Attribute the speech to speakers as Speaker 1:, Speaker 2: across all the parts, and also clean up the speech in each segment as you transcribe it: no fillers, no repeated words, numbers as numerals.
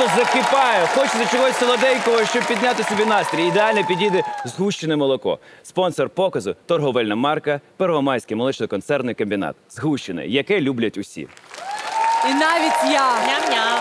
Speaker 1: просто закипає. Хочеться чогось солоденького, щоб підняти собі настрій. Ідеально підійде згущене молоко. Спонсор показу – торговельна марка «Первомайський молочно-концерний комбінат». Згущене, яке люблять усі.
Speaker 2: І навіть я.
Speaker 3: Ням-ням.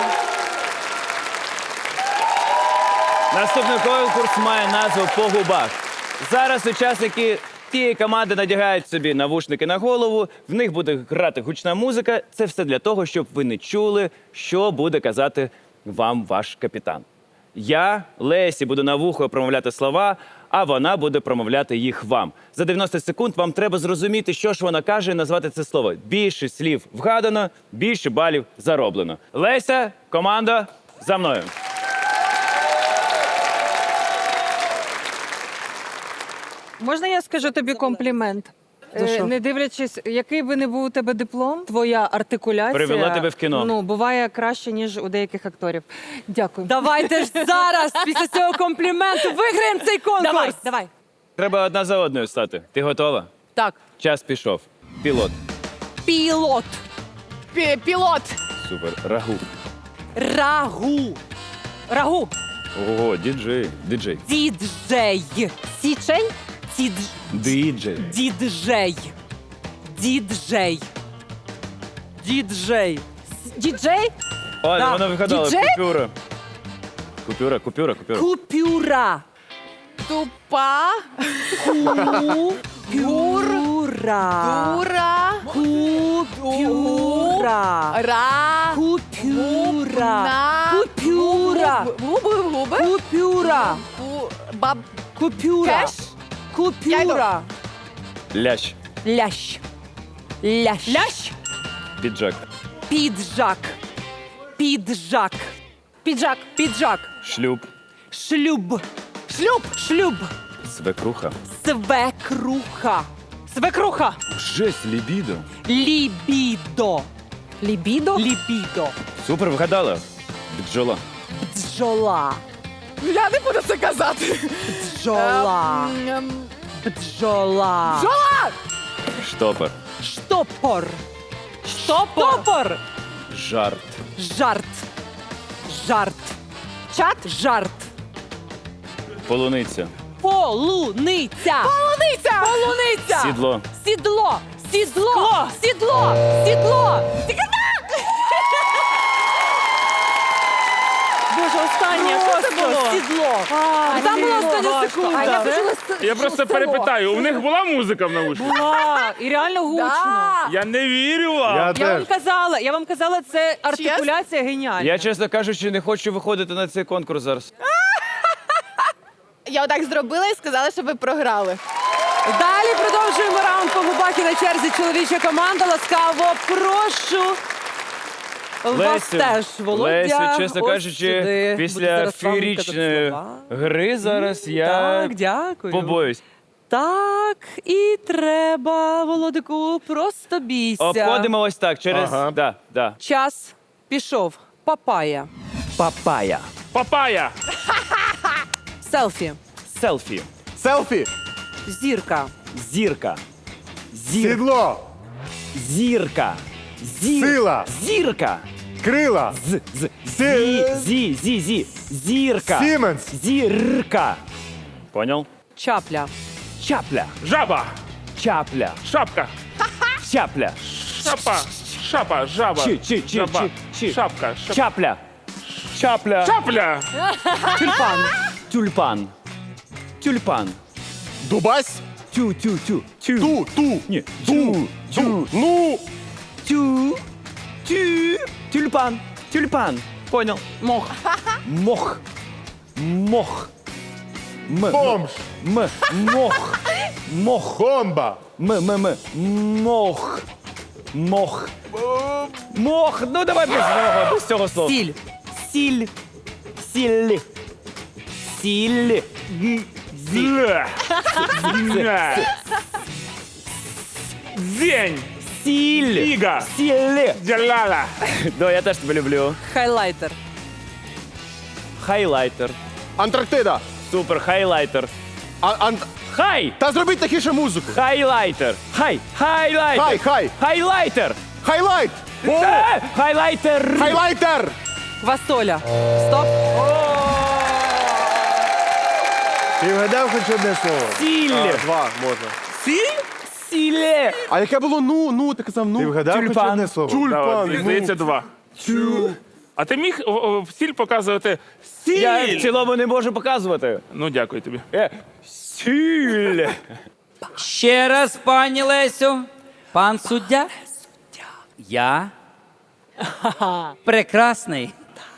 Speaker 1: Наступний конкурс має назву «По губах». Зараз учасники тієї команди надягають собі навушники на голову, в них буде грати гучна музика. Це все для того, щоб ви не чули, що буде казати вам ваш капітан. Я, Лесі, буду на вухо промовляти слова, а вона буде промовляти їх вам. За 90 секунд вам треба зрозуміти, що ж вона каже, і назвати це слово. Більше слів вгадано, більше балів зароблено. Леся, команда, за мною.
Speaker 2: Можна я скажу тобі комплімент? Не дивлячись, який би не був у тебе диплом, твоя артикуляція
Speaker 1: Привела тебе в кіно.
Speaker 2: Ну, буває краще, ніж у деяких акторів. Дякую.
Speaker 4: Давайте ж зараз, після цього компліменту, виграємо цей конкурс.
Speaker 3: Давай.
Speaker 1: Треба одна за одною стати. Ти готова?
Speaker 4: Так,
Speaker 1: Час пішов. Пілот.
Speaker 4: пілот,
Speaker 3: Пілот.
Speaker 1: Супер. Рагу.
Speaker 4: рагу, рагу,
Speaker 1: Ого, діджей. Діджей.
Speaker 4: діджей,
Speaker 3: Січень.
Speaker 1: Діджей.
Speaker 4: діджей, діджей, діджей,
Speaker 3: Діджей.
Speaker 1: О,
Speaker 4: Да.
Speaker 1: вона вигадала.
Speaker 3: Діджей?
Speaker 1: Купюра. Купюра.
Speaker 4: купюра,
Speaker 3: Тупа.
Speaker 4: купюра,
Speaker 3: Дура.
Speaker 4: купюра,
Speaker 3: Ра.
Speaker 4: купюра,
Speaker 3: На.
Speaker 4: купюра,
Speaker 3: Губи.
Speaker 4: купюра,
Speaker 3: Баб.
Speaker 4: купюра,
Speaker 3: Кеш.
Speaker 4: купюра,
Speaker 1: Лящ.
Speaker 4: лящ, лящ, лящ,
Speaker 1: Піджак.
Speaker 4: піджак, піджак,
Speaker 3: Піджак.
Speaker 4: піджак,
Speaker 1: Шлюб.
Speaker 4: шлюб, шлюб, шлюб,
Speaker 1: Свекруха.
Speaker 4: свекруха, свекруха,
Speaker 1: Жесть, лібідо.
Speaker 4: лібідо,
Speaker 3: Лібідо.
Speaker 4: лібідо,
Speaker 1: Супер, вгадала. Бджола.
Speaker 4: бджола,
Speaker 3: Я не буду це казати.
Speaker 4: бджола, бджола,
Speaker 1: Штопор.
Speaker 4: штопор, штопор,
Speaker 1: Жарт.
Speaker 4: жарт, жарт, чат, жарт,
Speaker 1: Полуниця.
Speaker 4: полуниця, полуниця, полуниця,
Speaker 1: Сідло.
Speaker 4: сідло, сідло, сідло, сідло.
Speaker 3: Боже, останнє. Що це було?
Speaker 4: Сідло. Там була остання
Speaker 3: А я
Speaker 4: секунда.
Speaker 3: почула
Speaker 5: Я просто перепитаю, у них була музика в наушниках?
Speaker 4: Була. І реально гучно.
Speaker 5: Я не вірю вам.
Speaker 4: Я вам казала, це артикуляція геніальна.
Speaker 1: Я, чесно кажучи, не хочу виходити на цей конкурс зараз.
Speaker 3: Я отак зробила і сказала, що ви програли.
Speaker 4: Далі продовжуємо раунд по губах і на черзі чоловіча команда. Ласкаво прошу. Вас теж, Володя.
Speaker 1: Лесю, чесно
Speaker 4: ось
Speaker 1: кажучи,
Speaker 4: сюди. Буду
Speaker 1: після
Speaker 4: зараз вам
Speaker 1: феєричної
Speaker 4: казати слова.
Speaker 1: гри зараз я
Speaker 4: Так, дякую.
Speaker 1: побоюсь.
Speaker 4: Так, і треба, Володику, просто бійся.
Speaker 1: Обходимо ось так, через...
Speaker 5: Ага.
Speaker 1: Да.
Speaker 4: Час пішов. Папая.
Speaker 1: Папая.
Speaker 5: Папая.
Speaker 4: Селфі.
Speaker 1: Селфі.
Speaker 6: Селфі.
Speaker 4: Зірка.
Speaker 1: Зірка.
Speaker 6: Сідло.
Speaker 1: Зірка.
Speaker 6: Сила.
Speaker 1: Зірка.
Speaker 6: Крила.
Speaker 1: Зірка.
Speaker 6: Сіменс.
Speaker 1: Зірка. Понял?
Speaker 4: Чапля.
Speaker 1: Чапля.
Speaker 5: Жаба.
Speaker 1: Чапля.
Speaker 5: Шапка.
Speaker 1: Чапля.
Speaker 5: Шапа. Шапа. Жаба. Жаба. Шапка.
Speaker 1: Чапля. Чапля.
Speaker 5: Чапля.
Speaker 4: Тюльпан.
Speaker 1: Тюльпан. Тюльпан.
Speaker 6: Дубась.
Speaker 1: Тю.
Speaker 6: Ту.
Speaker 1: Ні.
Speaker 6: Ту. Ну.
Speaker 1: Тю. Тюльпан. Понял.
Speaker 4: Мох.
Speaker 1: Мох.
Speaker 6: Бомж.
Speaker 1: Мох.
Speaker 6: Бомба.
Speaker 1: Мох. Ну давай без цього слова.
Speaker 4: Сіль.
Speaker 1: Сіль.
Speaker 5: Зля. Зень.
Speaker 1: Сіль.
Speaker 5: Фіга.
Speaker 1: Сіль.
Speaker 5: Джалала.
Speaker 1: Да, я теж тебе люблю.
Speaker 4: Хайлайтер.
Speaker 1: Хайлайтер.
Speaker 6: Антарктида.
Speaker 1: Супер, хайлайтер. Хай!
Speaker 6: Та зробіть тихіше музику.
Speaker 1: Хайлайтер. Хайлайтер.
Speaker 6: Хай.
Speaker 1: Хайлайтер.
Speaker 6: Хайлайт.
Speaker 1: Хайлайтер.
Speaker 6: Хайлайтер.
Speaker 4: Квасоля. Стоп.
Speaker 6: Ти вгадав хоч одне слово?
Speaker 1: Сіль.
Speaker 6: Два можна.
Speaker 1: Сіле.
Speaker 6: А яке було ну? Ти казав ну.
Speaker 7: Ти вгадав хоч
Speaker 1: Тюльпан.
Speaker 7: одне слово?
Speaker 5: Давай,
Speaker 6: Тюльпан.
Speaker 5: здається, 2. А ти міг сіль показувати?
Speaker 1: Я в
Speaker 5: Сіль!
Speaker 1: цілому не можу показувати.
Speaker 5: Ну, дякую тобі.
Speaker 1: Сіль.
Speaker 8: Ще раз, пані Лесю. Пан суддя. Я прекрасний.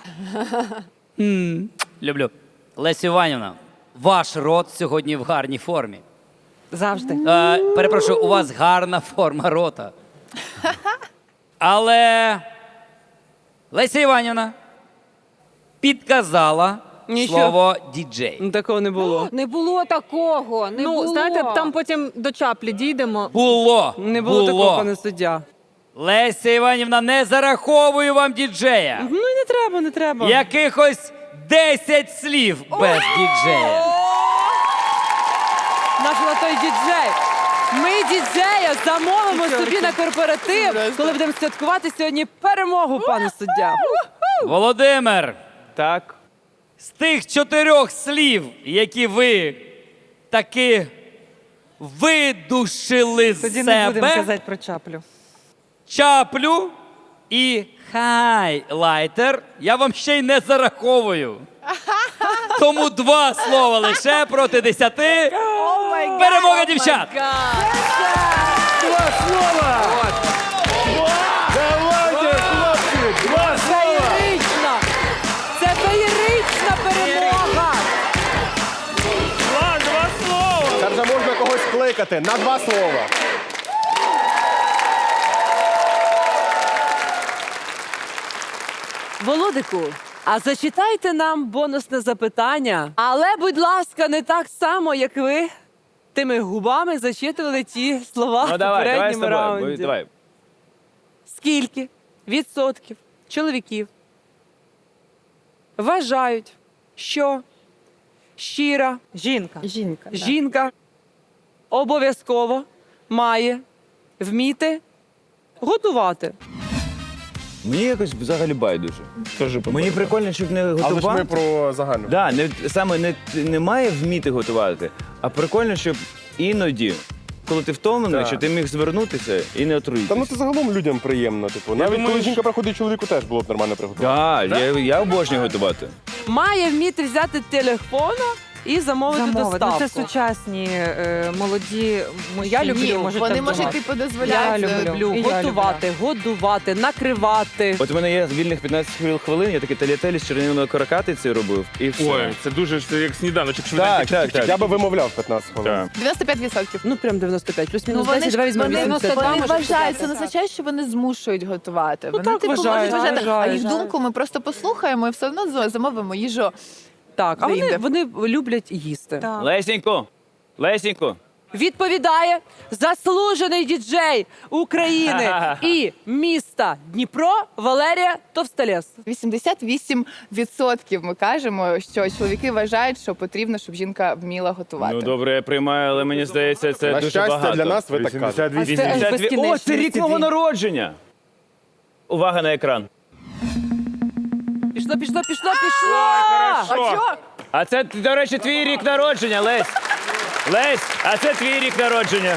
Speaker 8: Люблю. Лесю Іванівна, ваш рот сьогодні в гарній формі.
Speaker 4: Завжди.
Speaker 8: Перепрошую, у вас гарна форма рота. Але Леся Іванівна підказала
Speaker 4: Нічого.
Speaker 8: слово діджей.
Speaker 4: Ну, такого не було.
Speaker 2: Не було такого. Не було. Знаєте, там потім до чаплі дійдемо.
Speaker 8: Було.
Speaker 4: Не було такого, пане суддя.
Speaker 8: Леся Іванівна, не зараховую вам діджея.
Speaker 4: Ну і не треба, не треба.
Speaker 8: Якихось 10 слів без діджея.
Speaker 4: Наш на той діджей. Ми діджея замовимо собі на корпоратив,
Speaker 3: Просто.
Speaker 4: коли будемо святкувати сьогодні перемогу, пане суддя.
Speaker 8: Володимир,
Speaker 1: Так.
Speaker 8: з тих 4 слів, які ви таки видушили з
Speaker 2: Тоді не будемо
Speaker 8: себе,
Speaker 2: казати про чаплю.
Speaker 8: чаплю і хайлайтер, я вам ще й не зараховую. Тому 2 слова лише проти 10. Перемога дівчат!
Speaker 6: Давайте, хлопці! Два слова!
Speaker 4: Феєрична! Це феєрична перемога!
Speaker 5: 2 слова!
Speaker 6: Це вже можна когось кликати на два слова.
Speaker 4: Володику, а зачитайте нам бонусне запитання. Але, будь ласка, не так само, як ви тими губами зачитували ті слова
Speaker 1: Ну
Speaker 4: в
Speaker 1: давай з
Speaker 4: попередньому
Speaker 1: тобою.
Speaker 4: раунді.
Speaker 1: Давай.
Speaker 4: Скільки відсотків чоловіків вважають, що щира
Speaker 2: Жінка.
Speaker 4: жінка обов'язково має вміти готувати?
Speaker 1: Мені якось взагалі байдуже. Мені прикольно, щоб не
Speaker 6: Але ж ми
Speaker 1: готувати.
Speaker 6: про загальну.
Speaker 1: Да, саме не має вміти готувати, а прикольно, щоб іноді, коли ти втомлений,
Speaker 6: Так.
Speaker 1: що ти міг звернутися і не
Speaker 6: Та
Speaker 1: отруїтися.
Speaker 6: ну це загалом людям приємно. Типу, навіть
Speaker 5: думаю,
Speaker 6: коли
Speaker 5: що-
Speaker 6: жінка приходить чоловіку, теж було б нормально приготувати.
Speaker 1: Так, я обожнюю готувати.
Speaker 4: Має вміти взяти телефона і замовити доставку.
Speaker 2: Ну, це сучасні молоді мужчини.
Speaker 4: Я люблю.
Speaker 3: Ні,
Speaker 2: можуть
Speaker 3: вони,
Speaker 2: так
Speaker 3: може,
Speaker 2: думати.
Speaker 3: типу, дозволяють.
Speaker 2: Я люблю. І я
Speaker 4: Готувати, годувати, накривати.
Speaker 1: От у мене є вільних 15 хвилин, я такий талітелі з червоною каракатицею робив, і все.
Speaker 5: Ой, це дуже це як сніданочок.
Speaker 1: Так.
Speaker 6: Я би вимовляв 15 хвилин.
Speaker 5: Так.
Speaker 3: 95%.
Speaker 4: Ну, прям 95, плюс-мінус
Speaker 3: вони
Speaker 4: 10,
Speaker 3: ж
Speaker 4: давай візьмемо
Speaker 3: вони
Speaker 4: 80.
Speaker 3: вважають, це не означає, що вони змушують готувати. Вони
Speaker 4: так,
Speaker 3: типу
Speaker 4: вважають,
Speaker 3: можуть вважати, а
Speaker 4: вважають.
Speaker 3: їх думку ми просто послухаємо і все одно замовимо їжу.
Speaker 4: Так, а
Speaker 3: Вийде.
Speaker 4: вони люблять їсти.
Speaker 2: Так.
Speaker 1: Лесенько,
Speaker 4: Відповідає заслужений діджей України і міста Дніпро Валерія Товстолєс.
Speaker 3: 88% ми кажемо, що чоловіки вважають, що потрібно, щоб жінка вміла готувати.
Speaker 1: ну добре, я приймаю, але мені здається, це
Speaker 6: На
Speaker 1: дуже
Speaker 6: щастя,
Speaker 1: багато.
Speaker 6: для нас ви так кажете.
Speaker 1: 82. О, це рік мого народження! Увага на екран.
Speaker 4: Пішло.
Speaker 3: А що?
Speaker 1: А це, до речі, твій рік народження, Лесь. Лесь, а це твій рік народження.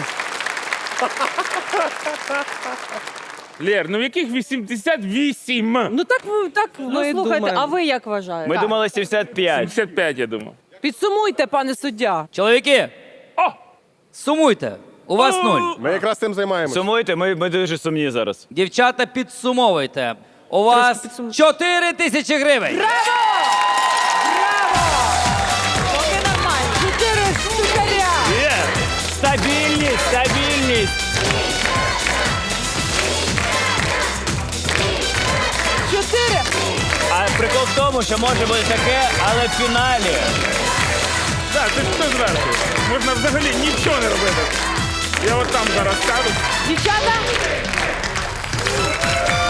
Speaker 5: Лєр, ну в яких 88?
Speaker 4: Ну так
Speaker 2: Ну,
Speaker 4: ми
Speaker 2: слухайте,
Speaker 4: думаємо.
Speaker 2: а ви як вважаєте?
Speaker 1: Ми думали 75.
Speaker 5: 75, я думав.
Speaker 4: Підсумуйте, пане суддя.
Speaker 8: Чоловіки,
Speaker 5: О!
Speaker 8: сумуйте. У вас 0.
Speaker 6: Ми якраз цим займаємося.
Speaker 1: Сумуйте, ми дуже сумні зараз.
Speaker 8: Дівчата, підсумовуйте. У вас 4 тисячі гривень.
Speaker 2: Поки нормально.
Speaker 4: 4 штукаря.
Speaker 1: Є! Стабільність!
Speaker 4: 4.
Speaker 1: А прикол в тому, що може бути таке, але в фіналі.
Speaker 5: Так, це ж хто зверху? Можна взагалі нічого не робити. Я от там зараз ставлю.
Speaker 4: Дівчата,